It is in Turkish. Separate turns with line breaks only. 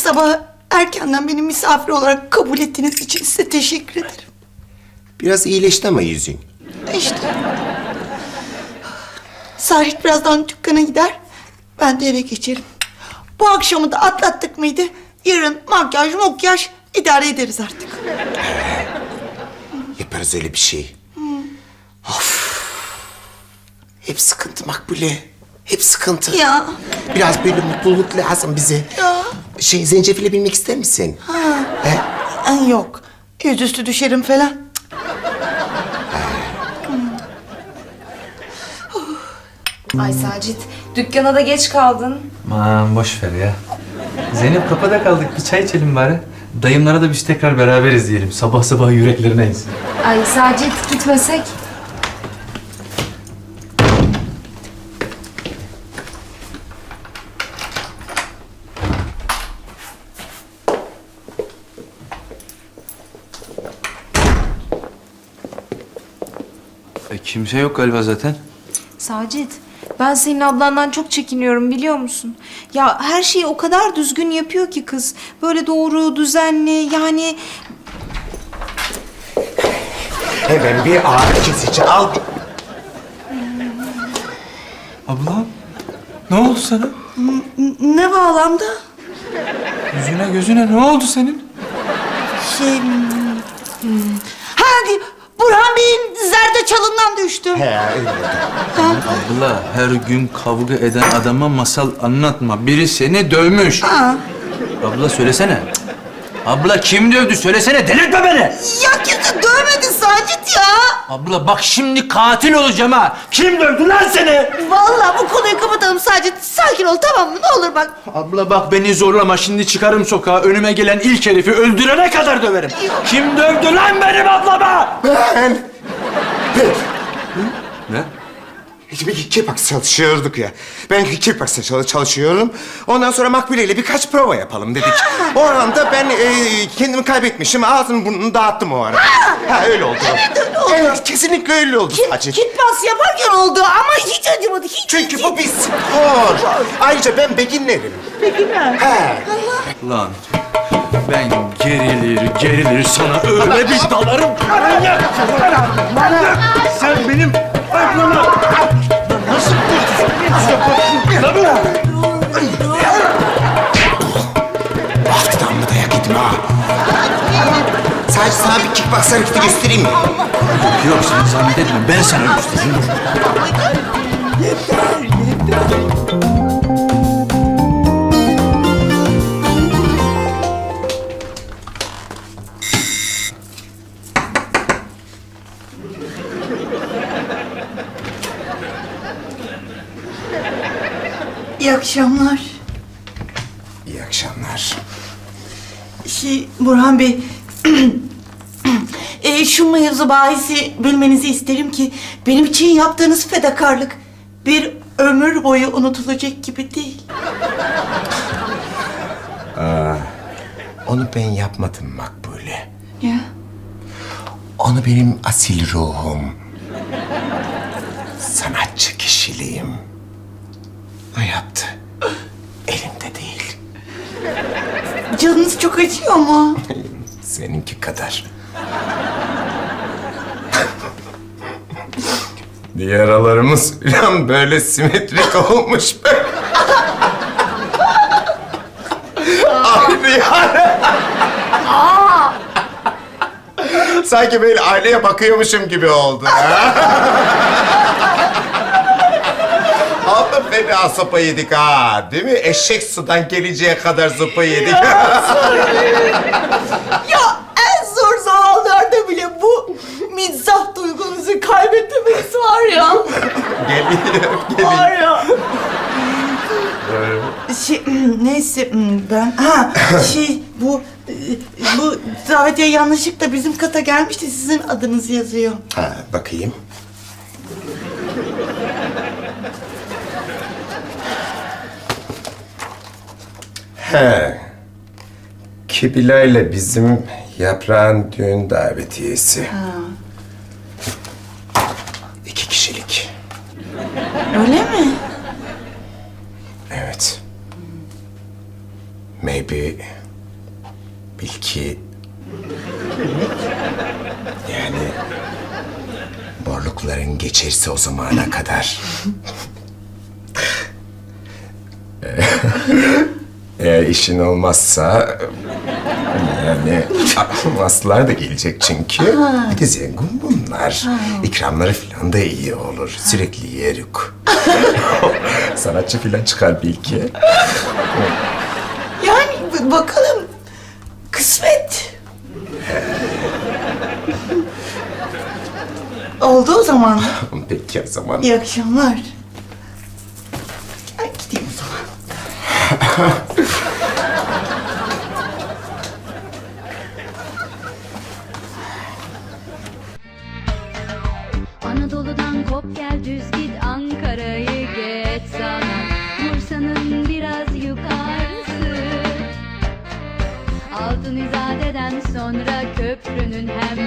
sabah erkenden beni misafir olarak kabul ettiğiniz için size teşekkür ederim.
Biraz iyileşti ama yüzün.
İşte. Sacit birazdan dükkana gider. Ben de eve geçerim. Bu akşamı da atlattık mıydı? Yarın makyaj idare ederiz artık.
Yaparız öyle bir şey. Of. Hep sıkıntı Makbule. Hep sıkıntı.
Ya.
Biraz böyle mutluluk lazım bize.
Ya.
Zencefile binmek ister misin? He?
Yok. Yüzüstü düşerim falan.
Ay Sacit, dükkana da geç kaldın.
Aman boş ver ya. Zeynep kapıda kaldık. Bir çay içelim bari. Dayımlara da biz tekrar beraber izleyelim. Sabah sabah yüreklerine insin.
Ay Sacit, gitmesek.
Kimse yok galiba zaten.
Sacit, ben senin ablandan çok çekiniyorum biliyor musun? Ya her şeyi o kadar düzgün yapıyor ki kız. Böyle doğru, düzenli yani...
Hemen bir ağrı kesici al.
Abla, ne oldu sana?
Ne bağlamda?
Yüzüne gözüne ne oldu senin?
Hadi Burhan Bey'in zerdeçalından düştüm.
He, öyle oldu.
Abla, her gün kavga eden adama masal anlatma. Biri seni dövmüş. Abla söylesene. Abla kim dövdü? Söylesene, delirtme beni.
Ya kimse dövmedi Sacit ya.
Abla bak şimdi katil olacağım ha. Kim dövdü lan seni?
Vallahi bu konuyu kapatalım Sacit. Sakin ol tamam mı? Ne olur bak.
Abla bak beni zorlama, şimdi çıkarım sokağa. Önüme gelen ilk herifi öldürene kadar döverim. Kim dövdü lan benim ablama?
Ben...
Ne?
Bir kickbox çalışıyorduk ya. Ben kickbox'ta çalışıyorum. Ondan sonra Makbule ile birkaç prova yapalım dedik. O anda ben kendimi kaybetmişim. Ağzımı burnunu dağıttım o ara. Ha öyle oldu. Evet, kesinlikle öyle oldu Sacit.
Kitpas yaparken oldu ama hiç acımadı. Hiç.
Çünkü bu bir spor. Ayrıca ben beginnerim.
Beginner.
He.
Lan ben gerilir sana öyle bir dalarım. Manyak! Sen benim aklımı nasıl
Altından mı dayak yedim ha? Sadece sana bir kickbox hareketi göstereyim mi?
Yok sen zahmet etme, ben sana göstereyim.
İyi akşamlar.
İyi akşamlar.
Burhan Bey, şu mevzu bahisi bilmenizi isterim ki benim için yaptığınız fedakarlık bir ömür boyu unutulacak gibi değil.
Onu ben yapmadım Makbule.
Ya.
Onu benim asil ruhum, sanatçı kişiliğim o yaptı. Elimde değil.
Canınız çok acıyor mu?
Seninki kadar. Yaralarımız falan böyle simetrik olmuş be. Aynı yani. Sanki böyle aynaya bakıyormuşum gibi oldu. Ama fena sopa yedik ha, değil mi? Eşek sudan geleceğe kadar sopa yedik.
Ya en zor zamanlarda bile bu mizah duygunuzu kaybetmemeniz var ya.
Geliyor.
Var ya. Neyse ben bu davetiye yanlışlıkla bizim kata gelmişti, sizin adınız yazıyor.
Ha, bakayım. He. Kibila ile bizim Yaprağın düğün davetiyesi.
Ha.
2 kişilik.
Öyle mi?
Evet. maybe belki yani morlukların geçerse o zamana kadar eğer işin olmazsa yani Aslılar da gelecek çünkü. Bir de zengin bunlar. İkramları falan da iyi olur. Sürekli yeruk. Sanatçı falan çıkar belki.
Yani bakalım. Kısmet. Oldu o zaman.
Peki o zaman.
İyi akşamlar. Ay, gideyim o zaman.
Anadolu'dan kop gel düz git Ankara'yı geç sana Bursa'nın biraz yukarısı Altın İzade'den sonra köprünün hemen